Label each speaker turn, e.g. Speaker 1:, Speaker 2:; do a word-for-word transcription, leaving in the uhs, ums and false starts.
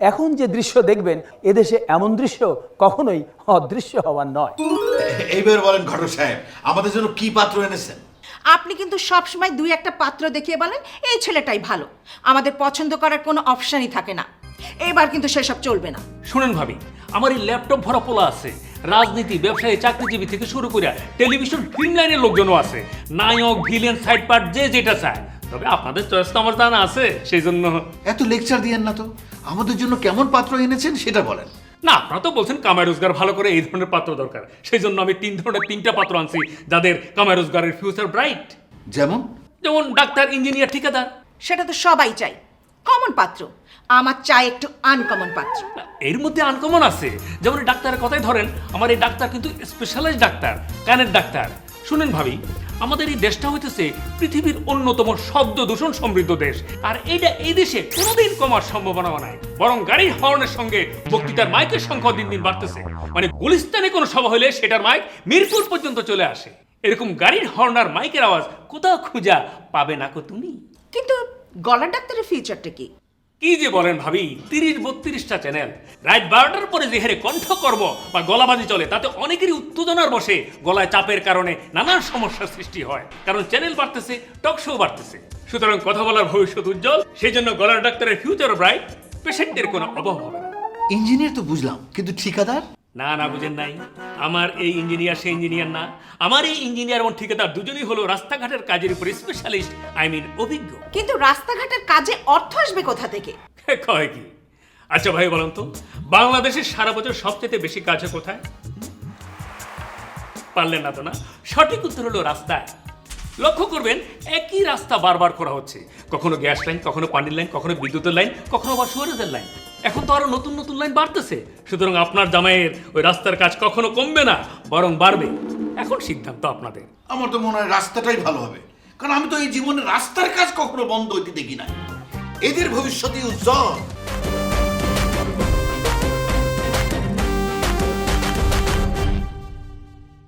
Speaker 1: এখন যে দৃশ্য দেখবেন এদেশে এমন দৃশ্য কখনোই অদৃশ্য হওয়ার নয়।
Speaker 2: এইবার বলেন ঘটক সাহেব, আমাদের জন্য কি পাত্র এনেছেন?
Speaker 3: আপনি কিন্তু সবসময় দুই একটা পাত্র দেখিয়ে বলেন এই ছেলেটাই ভালো, আমাদের পছন্দ করার কোনো অপশনই থাকে না। এবার কিন্তু সেসব চলবে না।
Speaker 4: শুনেন ভাবি, আমার এই ল্যাপটপ ভরা পোলা আছে, রাজনীতি, ব্যবসায়ী, চাকরিজীবী থেকে শুরু করে টেলিভিশন ফিল্ম লাইনের লোকজনও আছে, নায়ক, ভিলেন, সাইড পার্ট, যে যেটা চায়। তবে আপনাদের চয়েস তো আমার জানা আছে, সেই জন্য।
Speaker 2: এত লেকচার দিয়েন না তো, আমাদের জন্য কেমন পাত্র এনেছেন সেটা বলেন।
Speaker 4: না, আপনারা তো বলছেন কামাই রোজগার ভালো করে, এই ধরনের পাত্র দরকার। সেই জন্য আমি তিন ধরনের তিনটা পাত্র আনছি, যাদের কামাই রোজগারের ফিউচার ব্রাইট।
Speaker 2: যেমন?
Speaker 4: যেমন ডাক্তার, ইঞ্জিনিয়ার, ঠিকাদার।
Speaker 3: সেটা তো সবাই চাই, কমন পাত্র। আমার চাই একটু আনকমন পাত্র।
Speaker 4: এর মধ্যে আনকমন আছে, যেমন এই ডাক্তারের কথাই ধরেন। আমার এই ডাক্তার কিন্তু স্পেশালাইজড ডাক্তার, কানের ডাক্তার। শুনেন ভাবি, আমাদের এই দেশটা হইতেছে পৃথিবীর অন্যতম শব্দ দূষণ সমৃদ্ধ দেশ, আর এইটা এই দেশে কোনোদিন কমার সম্ভাবনা নাই, বরং গাড়ির হর্নের সঙ্গে বক্তৃতার মাইকের সংখ্যা দিন দিন বাড়তেছে। মানে গুলিস্তানে কোনো সভা হলে সেটার মাইক মিরপুর পর্যন্ত চলে আসে। এরকম গাড়ির হর্ন আর মাইকের আওয়াজ কোথাও খুঁজা পাবে না কো তুমি।
Speaker 3: কিন্তু গলার ডাক্তারের ফিউচারটা কি?
Speaker 4: কি যে বলেন ভাবি, তিরিশ বত্রিশটা চ্যানেল, রাত বারোটার পরে যে হারে কণ্ঠকর্ম বা গলাবাজি চলে, তাতে অনেকেরই উত্তেজনার বসে গলায় চাপের কারণে নানান সমস্যার সৃষ্টি হয়। কারণ চ্যানেল বাড়তেছে, টক শো বাড়তেছে। সুতরাং কথা বলার ভবিষ্যৎ উজ্জ্বল। সেই জন্য গলার ডাক্তারের ফিউচার ব্রাইট, পেশেন্টের কোনো অভাব হবে না।
Speaker 2: ইঞ্জিনিয়ার তো বুঝলাম, কিন্তু ঠিকাদার?
Speaker 4: না না, বুঝেন নাই। আমার এই ইঞ্জিনিয়ার সেই ইঞ্জিনিয়ার না। আমার এই ইঞ্জিনিয়ার এবং ঠিকাদার দুজনেই হলো রাস্তাঘাটের কাজের উপর স্পেশালিস্ট, আই মিন অভিজ্ঞ।
Speaker 3: কিন্তু রাস্তাঘাটের কাজে অর্থ আসবে কোথা থেকে?
Speaker 4: কয় কি? আচ্ছা ভাই বলুন তো, বাংলাদেশের সারা বছর সবচেয়ে বেশি কাজ হয় কোথায়? পারলেন না তো না? সঠিক উত্তর হলো রাস্তায়। লক্ষ্য করবেন, একই রাস্তা বারবার করা হচ্ছে। কখনো গ্যাস লাইন, কখনো পানির লাইন, কখনো বিদ্যুতের লাইন, কখনো আবার সুয়ারেজের লাইন। এখন তো আরো নতুন নতুন লাইন বাড়তেছে। সুতরাং আপনার জামাইয়ের ওই রাস্তার কাজ কখনো কমবে না, বরং বাড়বে। এখন সিদ্ধান্ত আপনাদের।
Speaker 2: আমার তো মনে হয় রাস্তাটাই ভালো হবে, কারণ আমি তো এই জীবনে রাস্তার কাজ কখনো বন্ধ হইতে দেখি না। এদের ভবিষ্যৎই উজ্জ্বল।